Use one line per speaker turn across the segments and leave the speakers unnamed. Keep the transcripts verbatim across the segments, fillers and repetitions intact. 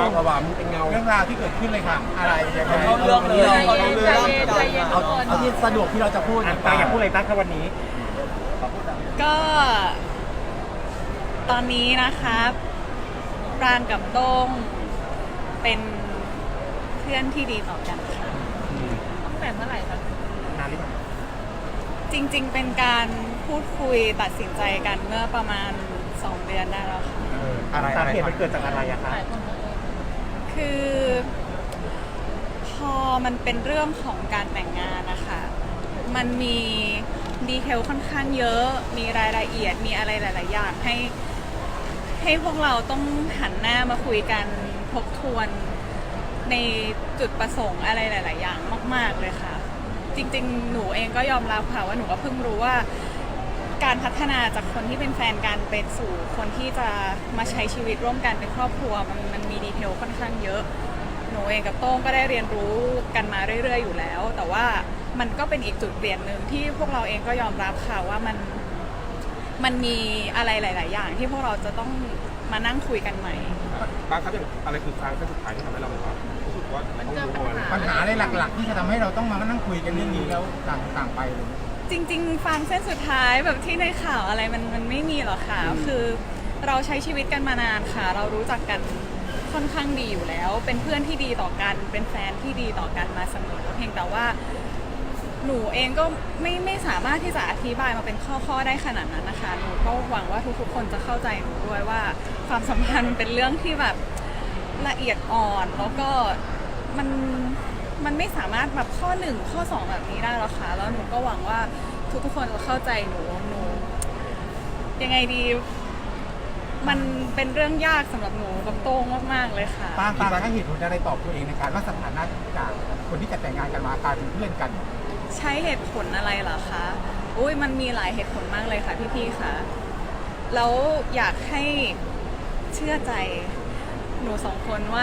ภาวะมึงเป็นเงา
เรื่องราวที่เกิดขึ้นเลยค่ะอะไรยังไง
เขาเรื่องเลย
ใจเย็นใจเย็น
เอาเอาที่สะดวกที่เราจะพูด
อ่ะปางอยากพูดอะไรบ้างครับวันนี้
ก็ตอนนี้นะคะปรางกับโต้งเป็นเพื่อนที่ดีต่อกันค่ะตั้งแต่เมื่อไหร่คะ
นานหรือเปล่า
จริงๆเป็นการพูดคุยตัดสินใจกันเมื่อประมาณสองเดือนได้แล้วค่ะ
เอออะไรสาเหตุมันเกิดจากอะไรอะคะ
คือพอมันเป็นเรื่องของการแต่งงานนะคะมันมีดีเทลค่อนข้างเยอะมีรายละเอียดมีอะไรหลายๆอย่างให้ให้พวกเราต้องหันหน้ามาคุยกันทบทวนในจุดประสงค์อะไรหลาย ๆ อย่างมาก ๆเลยค่ะจริงๆหนูเองก็ยอมรับค่ะว่าหนูก็เพิ่งรู้ว่าการพัฒนาจากคนที่เป็นแฟนกันเป็นสู่คนที่จะมาใช้ชีวิตร่วมกันเป็นครอบครัวมันมันมีดีเทลค่อนข้างเยอะหนูเองกับโต้งก็ได้เรียนรู้กันมาเรื่อย ๆ อยู่แล้วแต่ว่ามันก็เป็นอีกจุดเปลี่ยนหนึ่งที่พวกเราเองก็ยอมรับค่ะว่ามันมันมีอะไรหลาย ๆ อย่างที่พวกเราจะต้องมานั่งคุยกันใหม่
บางครั้งอะไรคือครั้งสุดท้ายที่ทำให้เราแบบว่ารู้สึกว่าต้องรู้ว่า
ปัญหาอะไรหลักๆ ที่จะทำให้เราต้องมานั่งคุยกันเรื่องนี้แล้วต่างต่างไปเลย
จริงๆฟังเส้นสุดท้ายแบบที่ในข่าวอะไรมันมันไม่มีหรอกค่ะคือเราใช้ชีวิตกันมานานค่ะเรารู้จักกันค่อนข้างดีอยู่แล้ว เป็นเพื่อนที่ดีต่อกันเป็นแฟนที่ดีต่อกันมาเสมอเพียงแต่ว่าหนูเองก็ไม่ไม่สามารถที่จะอธิบายมาเป็นข้อๆได้ขนาดนั้นนะคะหนูก็หวังว่าทุกๆคนจะเข้าใจหนูด้วยว่าความสัมพันธ์เป็นเรื่องที่แบบละเอียดอ่อนแล้วก็มันมันไม่สามารถแบบข้อหนึ่งข้อสองแบบนี้ได้หรอกค่ะแล้วหนูก็หวังว่าทุกๆคนจะเข้าใจหนูหนูยังไงดีมันเป็นเรื่องยากสำหรับหนูกับโต้งมากๆเลยค่ะ
ปางปางให้เหตุผลอะไรตอบตัวเองในการว่าสถานะจากคนที่จะแต่งงานกันมากลายเป็นเพื่อนกัน
ใช้เหตุผลอะไรเหรอคะอุ้ยมันมีหลายเหตุผลมากเลยค่ะพี่ๆค่ะแล้วอยากให้เชื่อใจหนูสองคนว่า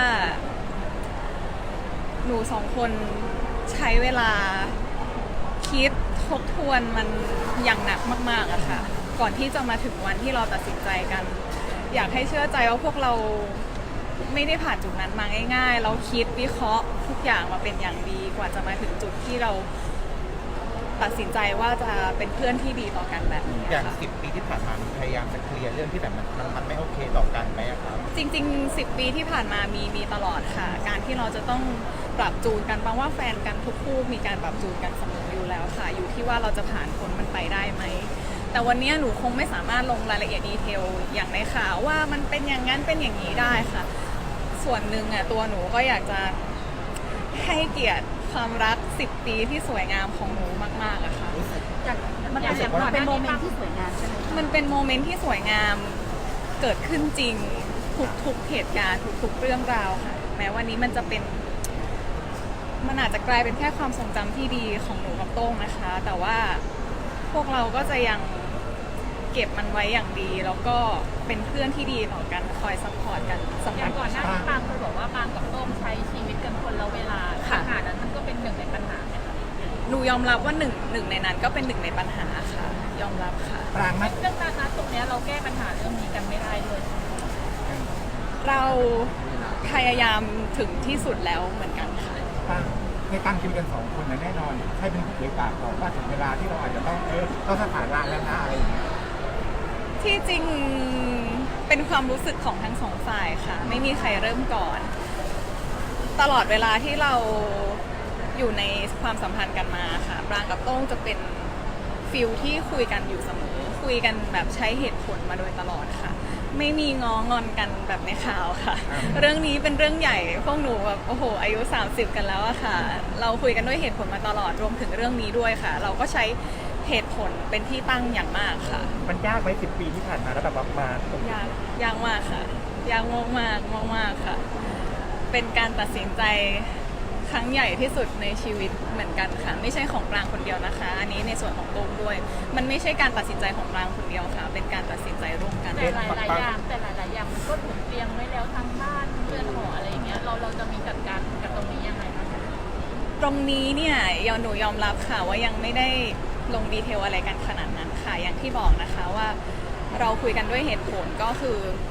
หนูสองคนใช้เวลาคิดทบทวนมันอย่างหนักมากๆอะค่ะก่อนที่จะมาถึงวันที่เราตัดสินใจกัน อยากให้เชื่อใจว่าพวกเราไม่ได้ผ่านจุดนั้นมาง่ายๆเราคิดวิเคราะห์ทุกอย่างมาเป็นอย่างดีกว่าจะมาถึงจุดที่เราตัดสินใจว่าจะเป็นเพื่อนที่ดีต่อกันแบบนี้
อย่าง
ค่ะ
สิบปีที่ผ่านมามันพยายามจะเคลียร์เรื่องที่แบบมันมันมันไม่โอเคต่อกันไหมอะครับ
จริงๆสิบปีที่ผ่านมามีมีตลอดค่ะการที่เราจะต้องปรับจูนกันบางว่าแฟนกันทุกคู่มีการปรับจูนกันเสมออยู่แล้วค่ะอยู่ที่ว่าเราจะผ่านพ้นมันไปได้ไหมแต่วันนี้หนูคงไม่สามารถลงรายละเอียดดีเทลอย่างในข่าวว่ามันเป็นอย่างนั้นเป็นอย่างนี้ได้ค่ะส่วนหนึ่งอ่ะตัวหนูก็อยากจะให้เกียรติความรักสิบปีที่สวยงามของหนูมากๆอะค่ะ
มันเป็นโมเมนต์ที่สวยงามใช่ไหมคะ
มันเป็นโมเมนต์ที่สวยงามเกิดขึ้นจริงทุกๆเหตุการณ์ทุกๆเรื่องราวค่ะแม้วันนี้มันจะเป็นมันอาจจะกลายเป็นแค่ความทรงจำที่ดีของหนูกับโต้งนะคะ แต่ว่าพวกเราก็จะยังเก็บมันไว้อย่างดี แล้วก็เป็นเพื่อนที่ดีต่อกันคอยซัพพอร์ตกันสำห
อ
รั
ย่า
บ
งก่อนหน้านี้ปางเคยบอกว่าปางกับโต้งใช้ชีวิตกันคนละเวลาปัญหานั้นมันก็เป็นหนึ่งในปัญหาไหมคะ
หนูยอมรับว่าหนึ่งหนึ่งในนั้นก็เป็นหนึ่งในปัญหาค่ะ ยอมรับค่ะ
ปรางไหม
เรื่องนั้นนะตรงเนี้ยเราแก้ปัญหาเรื่องนี้กันไม่ได้เลย
เราพยายามถึงที่สุดแล้วเหมือนกันค่ะ
ปางในการคุยกันสองคนนะแน่นอนให้เป็นผู้เผยปากก่อนว่าถึงเวลาที่เราอาจจะต้องเออต้องสถานะแล้วนะอะไรอย่างเงี้ย
ที่จริงเป็นความรู้สึกของทั้งสองฝ่ายค่ะ ไม่มีใครเริ่มก่อน ตลอดเวลาที่เราอยู่ในความสัมพันธ์กันมาค่ะปรางกับโต้งจะเป็นฟิลที่คุยกันอยู่เสมอคุยกันแบบใช้เหตุผลมาโดยตลอดค่ะ ไม่มีง้องอนกันแบบในข่าวค่ะ เรื่องนี้เป็นเรื่องใหญ่พวกหนูแบบโอ้โหอายุสามสิบกันแล้วอะค่ะ เราคุยกันด้วยเหตุผลมาตลอดรวมถึงเรื่องนี้ด้วยค่ะ เราก็ใช้เหตุผลเป็นที่ตั้งอย่างมากค่ะ
มันยากไหมสิบปีที่ผ่านมาแล้วแบบว่ามาตรง
ยากยากมากค่ะยากมากมากมากมากๆค่ะ เป็นการตัดสินใจครั้งใหญ่ที่สุดในชีวิตเหมือนกันค่ะ ไม่ใช่ของปรางคนเดียวนะคะ อันนี้ในส่วนของโต้งด้วย มันไม่ใช่การตัดสินใจของปรางคนเดียวค่ะ เป็นการตัดสินใจร่วมกัน
แต่หลายๆอย่างแต่หลายๆอย่างมันก็ถูกเตรียมไว้แล้วทั้งบ้านเรือนหออะไรอย่างเงี้ยเราเราจะมีจัดการกับตรงนี้ยังไงบ้างคะ
ตรงนี้เนี่ยยอหนูยอมรับค่ะว่ายังไม่ได้ลงดีเทลอะไรกันขนาดนั้นค่ะอย่างที่บอกนะคะว่าเราคุยกันด้วยเหตุผลก็คือ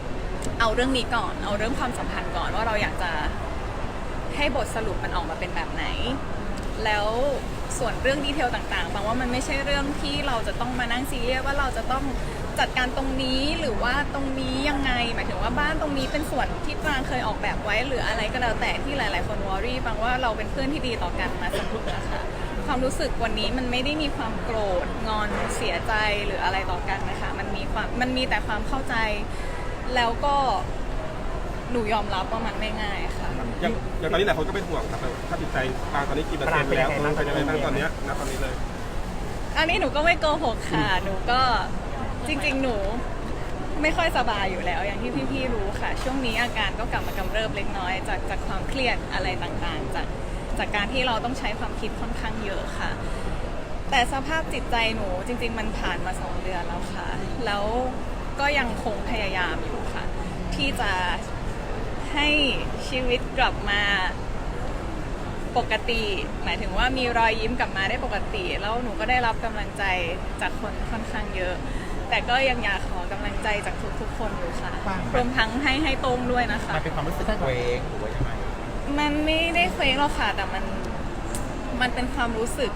เอาเรื่องนี้ก่อนเอาเรื่องความสัมพันธ์ก่อนว่าเราอยากจะให้บทสรุปมันออกมาเป็นแบบไหน แล้วส่วนเรื่องดีเทลต่างๆฟังว่ามันไม่ใช่เรื่องที่เราจะต้องมานั่งซีเรียสว่าเราจะต้องจัดการตรงนี้หรือว่าตรงนี้ยังไงหมายถึงว่าบ้านตรงนี้เป็นส่วนที่ปรางเคยออกแบบไว้หรืออะไรก็แล้วแต่ที่หลายๆคนวอรี่ฟังว่าเราเป็นเพื่อนที่ดีต่อกันมาเสมอค่ะความรู้สึกวันนี้มันไม่ได้มีความโกรธงอนเสียใจหรืออะไรต่อกันนะคะมันมีความมันมีแต่ความเข้าใจแล้วก็หนูยอมรับว่ามันไม่ง่ายค่ะ
อย่างอย่างตอนนี้หลายคนก็เป็นห่วงครับถ้าจิตใจปางตอนนี้กี่เปอร์เซ็นต์แล้วมันเป็นยังไงบ้างตอนเนี้ยณตอนนี้เลย
อันนี้หนูก็ไม่โกหกค่ะหนูก็จริงๆหนูไม่ค่อยสบายอยู่แล้ว อย่างที่พี่ๆรู้ค่ะ ช่วงนี้อาการก็กลับมากำเริบเล็กน้อยจากจากความเครียดอะไรต่างๆจากจากการที่เราต้องใช้ความคิดค่อนข้างเยอะค่ะ แต่สภาพจิตใจหนูจริงๆมันผ่านมาสองเดือนแล้วค่ะแล้วก็ยังคงพยายามอยู่ค่ะที่จะให้ชีวิตกลับมาปกติหมายถึงว่ามีรอยยิ้มกลับมาได้ปกติแล้วหนูก็ได้รับกำลังใจจากคนค่อนข้างเยอะแต่ก็ยังอยากขอกำลังใจจากทุกๆคนอยู่ค่ะรวมทั้งให้ให้ตรงด้วยนะคะ
มันเป็นความรู้สึกเคว้งหรือว่ายังไง
มันไม่ได้เคว้งหรอกค่ะแต่มันมันเป็นความรู้สึก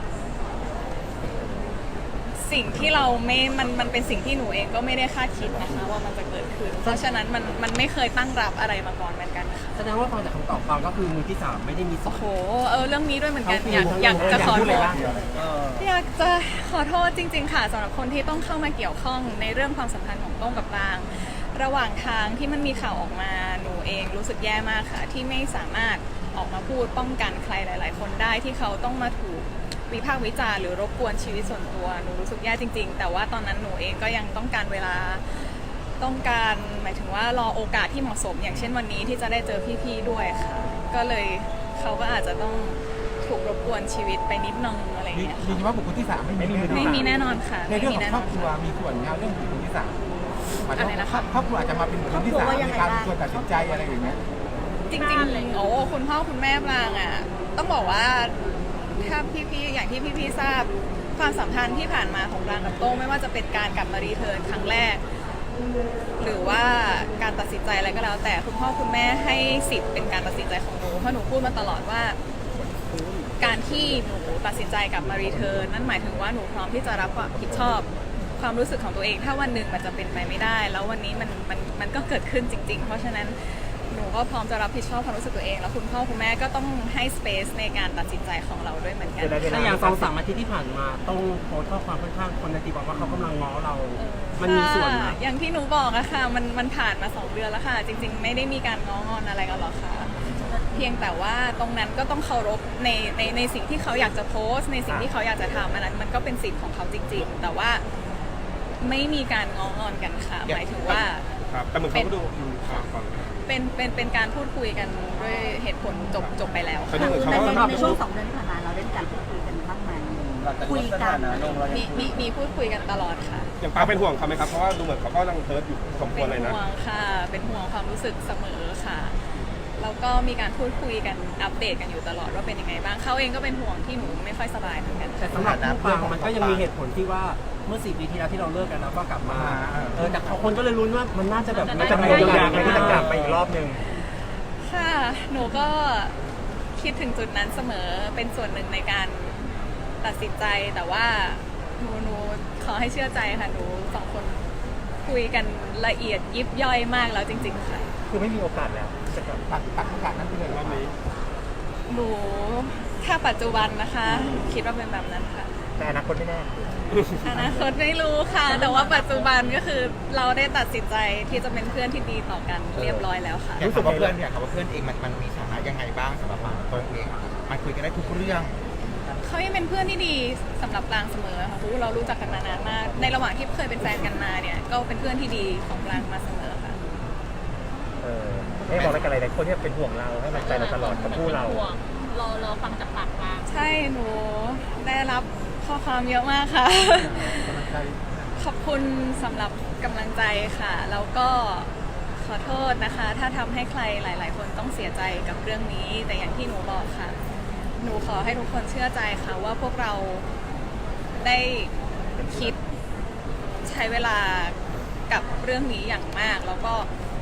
สิ่งที่เราไม่มันมันเป็นสิ่งที่หนูเองก็ไม่ได้คาดคิดนะคะว่ามันจะเกิดขึ้นเพราะฉะนั้นมันมันไม่เคยตั้งรับอะไรมาก่อนเหมือนกันค่ะ
แสดงว่าฟังจากคำตอบฟังก็คือมือที่สามไม่ได้มีส่วน
โหเออเรื่องนี้ด้วยเหมือนกัน
ทั้ง
อยาก
คู่
อยากจะขอ
พูด
โท
เลย
ษ
ว่าเออ
อยากจะขอโทษจริงๆค่ะสำหรับคนที่ต้องเข้ามาเกี่ยวข้องในเรื่องความสัมพันธ์ของโต้งกับปรางระหว่างทางที่มันมีข่าวออกมาหนูเองรู้สึกแย่มากค่ะที่ไม่สามารถออกมาพูดป้องกันใครหลาย ๆ คนได้ที่เขาต้องมาถูกวิพากษ์วิจารณ์หรือรบกวนชีวิตส่วนตัวหนูรู้สึกแย่จริง ๆ แต่ว่าตอนนั้นหนูเองก็ยังต้องการเวลาต้องการหมายถึงว่ารอโอกาสที่เหมาะสม อย่างเช่นวันนี้ที่จะได้เจอพี่ๆด้วยค่ะก็เลยเขาก็อาจจะต้องถูกรบกวนชีวิตไปนิดนึงอะไรอย่าง
ยื
เงี้ย
นยันว่าบุคคลที่สามไม่มี
ไม่มีแน่นอนค่ะ
ในเรื่อง
ไม่มี
ของ
แน่
คน ร
อ
อน บครัว
ค่ะ
มีส่วนในเรื่องบุคคลที่สามหมายถึง
อะไรนะคะ
ครอบครัวอาจจะมาเป็นบุคคลที่สามในการส่วนตัดสินใจอะไรอย่างเงี้ย
จริงๆ โอ้คุณพ่อคุณแม่ปรางอ่ะต้องบอกว่าถ้าพี่ๆ อย่างที่พี่ๆ ทราบความสัมพันธ์ที่ผ่านมาของปรางกับโต้งไม่ว่าจะเป็นการกลับมารีเทิร์นครั้งแรก หรือว่าการตัดสินใจอะไรก็แล้ว แต่คุณพ่อคุณแม่ให้สิทธิ์เป็นการตัดสินใจของหนูเพราะหนูพูดมาตลอดว่า การที่หนูตัดสินใจกลับมารีเทิร์นนั่นหมายถึงว่าหนูพร้อมที่จะรับความผิดชอบความรู้สึกของตัวเอง ถ้าวันหนึ่งมันจะเป็นไปไม่ได้ แล้ววันนี้มันมันมันก็เกิดขึ้นจริง ๆ เพราะฉะนั้นหนูก็พร้อมจะรับผิดชอบความรู้สึกตัวเอง แล้วคุณพ่อคุณแม่ก็ต้องให้สเปซในการตัดสินใจของเราด้วยเหมือนกัน
ถ้าอย่างสองสามอาทิตย์ที่ผ่านมาต้องโพสต์ข้อความค่อนข้างคนในตีบอกว่าเขากำลังง้อเรา มันมีส่วน
ค่ะ
นะ
อย่างที่หนูบอกอะค่ะมันมันผ่านมาสองเดือนแล้วค่ะ จริง ๆ ไม่ได้มีการง้องอนอะไรกันหรอกค่ะ เพียงแต่ว่าตรงนั้นก็ต้องเคารพในในในสิ่งที่เขาอยากจะโพสต์ ในสิ่งที่เขาอยากจะทำอันนั้นมันก็เป็นสิทธิ์ของเขาจริง ๆ แต่ว่าไม่มีการง้องอนกันค่ะหมายถึงว่า
ครับแต่เหมือนเขาก็ดูอืมครับก่อน
เป็นเป็นเป็นการพูดคุยกันด้วยเหตุผลจบจบไปแล้ว
เขาดูเหมือนเขา
ใน
ก็
ในช่วงสองเดือนที่ผ่านมาเราได้มีการพูดคุยกันบ้างไหมคุยกัน
มีมีมีพูดคุยกันตลอดค่ะ
อย่างปางเป็นห่วงเขาไหมครับเพราะว่าดูเหมือนเขาก็ยังเฮิร์ตอยู่สมคว
เป็
ร
น
เลยนะ
ห่วงค่ะ เป็นห่วงความรู้สึกเสมอค่ะ แล้วก็มีการพูดคุยกันอัปเดตกันอยู่ตลอดว่าเป็นยังไงบ้างเขาเองก็เป็นห่วงที่หนูไม่ค่อยสบายเหมือนกัน
แต่สำหรับผู้ฟังมันก็ยังมีเหตุผลที่ว่าเมื่อสี่ปีที่แล้วที่เราเลิกกันแล้วก็กลับมา เออแต่คนก็เลยลุ้นว่ามันน่าจะแบบ
มันจะมี
เยียวยา
บางอย่าง
ที่จะกลับไปอีกรอบหนึ่ง
ค่ะ หนูก็คิดถึงจุดนั้นเสมอ เป็นส่วนหนึ่งในการตัดสินใจ แต่ว่าหนูหนูขอให้เชื่อใจค่ะ หนูสองคนคุยกันละเอียดยิบย่อยมากแล้วจริง ๆ ค่ะ
คือไม่มีโอกาสแล้วจะกลับ
ตัดตัดโอกาสนั้นไปเลย
รอบนี้
หนูถ้าปัจจุบันนะคะ คิดว่าเป็นแบบนั้นค่ะ
แต่อนาคตไม่แน่
อนาคตไม่รู้ค่ะ แต่ว่าปัจจุบันก็คือเราได้ตัดสินใจที่จะเป็นเพื่อนที่ดีต่อกันเรียบร้อยแล้วค่ะ
อยากถามว่าเพื่อนอยากถามว่าเพื่อนเองมันมันมีฐานะยังไงบ้างสำหรับปางตัวเองมันคุยกันได้ทุกเรื่อง
เขายังเป็นเพื่อนที่ดีสำหรับปรางเสมอค่ะเพราะว่าเรารู้จักกันมานานมาก ในระหว่างที่เคยเป็นแฟนกันมาเนี่ย ก็เป็นเพื่อนที่ดีของปรางมาเสมอค่ะ
เออให้บอกอะไรกันหลายคนที่เป็นห่วงเราให้มันใจเราตลอดกับผู้เรา
ห่วงรอรอฟังจากปากปาง
ใช่หนูได้รับข้อความเยอะมากค่ะ ขอบคุณสำหรับกำลังใจค่ะ แล้วก็ขอโทษนะคะ ถ้าทำให้ใครหลาย ๆ คนต้องเสียใจกับเรื่องนี้ แต่อย่างที่หนูบอกค่ะ หนูขอให้ทุกคนเชื่อใจค่ะว่าพวกเราได้คิดใช้เวลากับเรื่องนี้อย่างมาก แล้วก็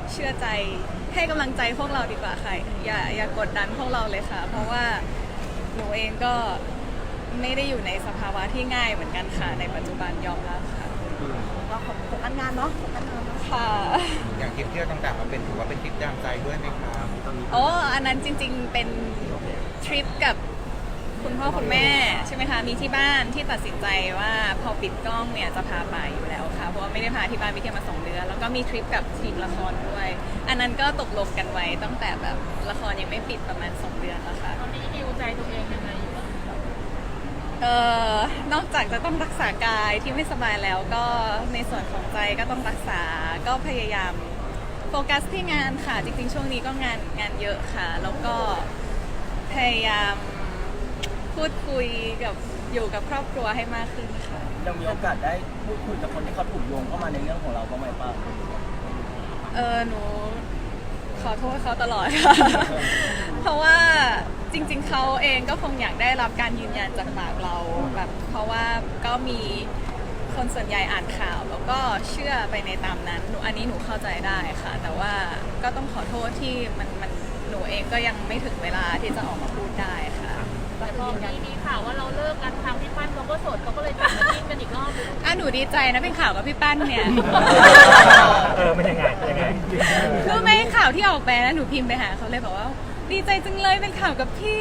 เชื่อใจให้กำลังใจพวกเราดีกว่าค่ะอย่าอย่ากดดันพวกเราเลยค่ะ เพราะว่าหนูเองก็ไม่ได้อยู่ในสภาวะที่ง่ายเหมือนกันค่ะในปัจจุบันยอมรับค่ะ
เราขอโฟกัสงานเนาะโฟกัสงานเนาะ
ค่ะ
อย่างทริปเที่ยวต่างๆมันเป็นถือว่าเป็นทริปยามใจด้วยไหมครับ
โอ้อันนั้นจริงๆเป็นทริปกับคุณพ่อคุณแม่ใช่ไหมคะมีที่บ้านที่ตัดสินใจว่าพอปิดกล้องเนี่ยจะพาไปอยู่แล้วค่ะเพราะว่าไม่ได้พาที่บ้านไปเที่ยวมาสองเดือนแล้วก็มีทริปกับทีมละครด้วย อันนั้นก็ตกลงกันไว้ตั้งแต่แบบละครยังไม่ปิดประมาณสองเดือนแล้วค่ะ
ตอนนี้ดิวใจตัวเองยังไงอยู่บ้าง
เอ่อนอกจากจะต้องรักษากายที่ไม่สบายแล้วก็ในส่วนของใจก็ต้องรักษาก็พยายามโฟกัสที่งานค่ะจริงๆช่วงนี้ก็งานงานเยอะค่ะแล้วก็พยายามพูดคุยกับอยู่กับครอบครัวให้มากขึ้นค่ะ
ยังมีโอกาสได้พูดคุยกับคนที่เขาถูกโยงเข้ามาในเรื่องของเราบ้างไหมป้า
เออหนูขอโทษเขาตลอดค่ะ เพราะว่าจริงๆเขาเองก็คงอยากได้รับการยืนยันจากปากเราแบบเพราะว่าก็มีคนส่วนใหญ่อ่านข่าวแล้วก็เชื่อไปในตามนั้นหนูอันนี้หนูเข้าใจได้ค่ะ แต่ว่าก็ต้องขอโทษที่มันมันหนูเองก็ยังไม่ถึงเวลาที่จะออกมาพูดได้ค่ะ
แต่พอมีมีข่าวว่าเราเลิกกันทางพี่ปั้นเขาก็โสดเขาก็เลยกลับมาจิ้นกันอีกรอบนึง
อ่ะหนูดีใจนะเป็นข่าวกับพี่ปั้นเนี่ย
เออมันยังไงยังไง
รู้ไหมข่าวที่ออกไปแล้วหนูพิมพ์ไปหาเขาเลยบอกว่า ดีใจจังเลยเป็นข่าวกับพี่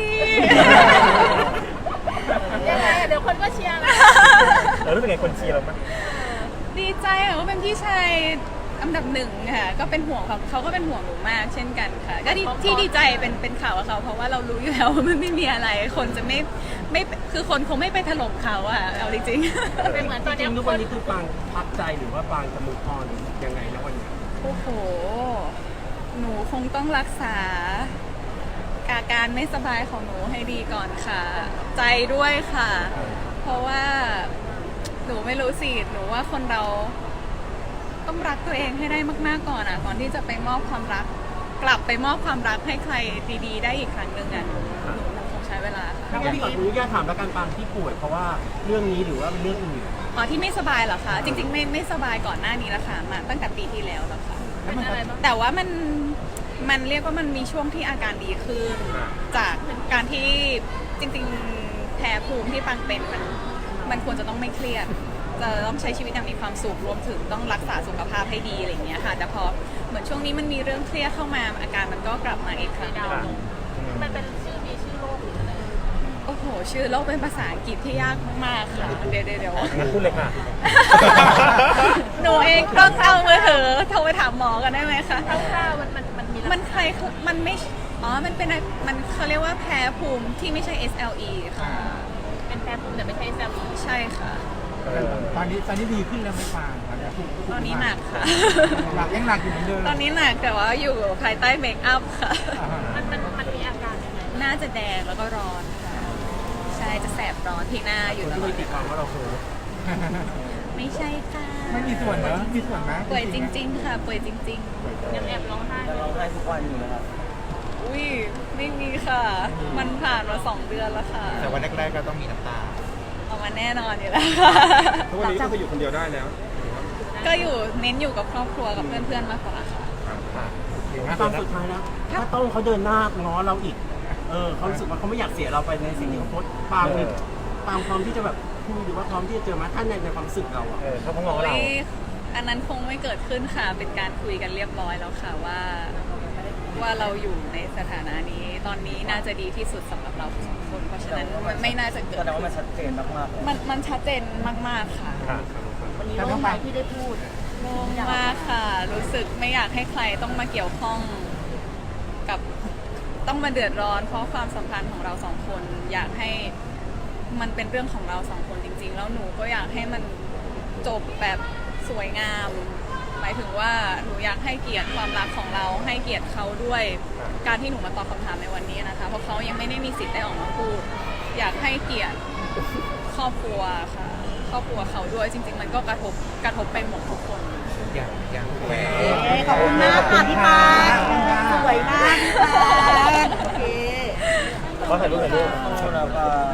ยังไงอะเดี๋ยวคนก็เชียร์นะ
เรารู้สึกไงคนเชียร์เรามั้ย
ดีใจค่ะว่าเป็นพี่ชายอันดับหนึ่งค่ะก็เป็นห่วงเขาเขาก็เป็นห่วงหนูมากเช่นกันค่ะก็ดีที่ดีใจเป็นเป็นข่าวกับเขาเพราะว่าเรารู้อยู่แล้วว่ามันไม่มีอะไรคนจะไม่ไม่คือคนคงไม่ไปถล่มเขาอะเอาจริงๆ
เป็นเหมือนตอนเนี้ย
ทุก
ค
วัน
น
นี้คือปางพักใจหรือว่าปางจะมุกออนยังไงนะวันนี้
โอ้โห หนูคงต้องรักษาอาการไม่สบายของหนูให้ดีก่อนค่ะ ใจด้วยค่ะ เพราะว่าหนูไม่รู้สิ หนูว่าคนเราต้องรักตัวเองให้ได้มากๆก่อนอ่ะ ก่อนที่จะไปมอบความรัก กลับไปมอบความรักให้ใครดีๆ ได้อีกครั้งหนึ่งอ่ะ หนูหนูหนูคงใช้เวลาค่ะ
ถ้าพี่ขออนุญาตถามแล้วกันปางที่ป่วยเพราะว่าเรื่องนี้หรือว่าเป็นเรื่องอื่น
อ๋อที่ไม่สบายเหรอคะ จริงๆ ไม่ไม่สบายก่อนหน้านี้แล้วค่ะ มาตั้งแต่ปีที่แล้วแล้วค่ะ
เป็นอะไรบ้าง
แต่ว่ามันมันเรียกว่ามันมีช่วงที่อาการดีขึ้น จากการที่จริงๆแพ้ภูมิที่ปังเป็นมันมันควรจะต้องไม่เครียด จะต้องใช้ชีวิตอย่างมีความสุขรวมถึงต้องรักษาสุขภาพให้ดีอะไรอย่างเงี้ยค่ะ แต่พอเหมือนช่วงนี้มันมีเรื่องเครียดเข้ามาอาการมันก็กลับมาอีกครั้งห
ดาว
นึ่ง
ลงมันเป็นชื่อมีชื่อโรคหรืออะไร
โอ้โห ชื่อโรคเป็นภาษาอังกฤษที่ยากมากๆค่ะเดี๋ยวเดี๋ยวเดี๋ยว
งั้นพูดเลยค่ะ
หนูเองต้องเอามือถือโทรไปถามหมอกันได้ไหมคะ
คร่าวๆมันมันมันมีลักษณะ
มันใครมันไม่ อ๋อ มันเป็นอะไรมันเขาเรียกว่าแพ้ภูมิที่ไม่ใช่ เอส แอล อี ค่ะ
เป็นแพ้ภูมิแต่ไม่ใช่แซลล์
ใช่ค่ะ
ตอนนี้ตอนนี้ดีขึ้นแล้วไม่ฟางตอนนี้
ตอนนี้หนักค่ะ
หนักยังหนักอยู่เหมือนเดิม
ตอนนี้หนักแต่ว่าอยู่ภายใต้เมคอัพค่ะ
มันมันมันมีอาการยังไง
หน้าจะแดงแล้วก็ร้อนค่ะ ใช่ จะแสบร้อนที่หน้าอยู่ต
ที่
ลอ
มี
ด
ติดฟังว่าเราโห
ไม่ใช่ค่ะ
ไม่มีส่วนเนอะมีส่วนไหม
ป่วยจริง ๆ ค่ะ ป่วยจริง
ยังแอบร้องไห้
เราให้ทุกวันอยู่นะครับ
ๆ อุ้ย ไม่มีค่ะ มันผ่านมาสองเดือนแล้วค่ะ
แต่วันแรกๆก็ต้องมีน้ำตา
เอามาแน่นอนอยู่แล้วค่ะ
ทุกวันนี้ก็คืออยู่คนเดียวได้แล้ว
ก็อยู่เน้นอยู่กับครอบครัวกับเพื่อนๆมากกว่าค่ะ
ตอนสุดท้ายแล้วถ้าต้องเขาเดินหน้าง้อเราอีก เออเขารู้สึกว่าเขาไม่อยากเสียเราไปในสิ่งที่เขาโพสต์ปางมีปางพร้อมที่จะแบบคุยหรือว่าพร้อมที่จะเจอมาท่านในในความรู้สึกเราอ่ะเขาก็ง้อเรา
โอ้ยอันนั้นคงไม่เกิดขึ้นค่ะ เป็นการคุยกันเรียบร้อยแล้วค่ะว่า ว่าเราอยู่ในสถานะนี้ ตอนนี้น่าจะดีที่สุดสำหรับเราสองคน เพราะฉะนั้นมันไม่น่าจะเกิด
แสดงว่ามันชัดเจนมากๆ
มันมันชัดเจนมากๆค่ะ
วันนี้โล่งใจที่ได้พูด
โล่งมากค่ะ รู้สึกไม่อยากให้ใครต้องมาเกี่ยวข้องกับต้องมาเดือดร้อน เพราะความสัมพันธ์ของเราสองคน อยากให้มันเป็นเรื่องของเราสองคนจริง ๆ แล้วหนูก็อยากให้มันจบแบบสวยงาม หมายถึงว่าหนูอยากให้เกียรติความรักของเรา ให้เกียรติเขาด้วยการที่หนูมาตอบคำถามในวันนี้นะคะ เพราะเขายังไม่ได้มีสิทธิ์ได้ออกมาพูด อยากให้เกียรติครอบครัวค่ะครอบครัวเขาด้วยจริง ๆ มันก็กระทบกระทบไปหมดทุกคน
อย่างอย่างแหว
เอ๊ะขอบคุณมากค่ะพี่ปานสวยมากพี่ปานโอเค
เขาถ่ายรูปถ่ายรูป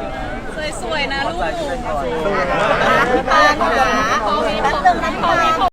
สวยๆนะลูก
พี่ปานขอแป๊บนึงนะพี่ปาน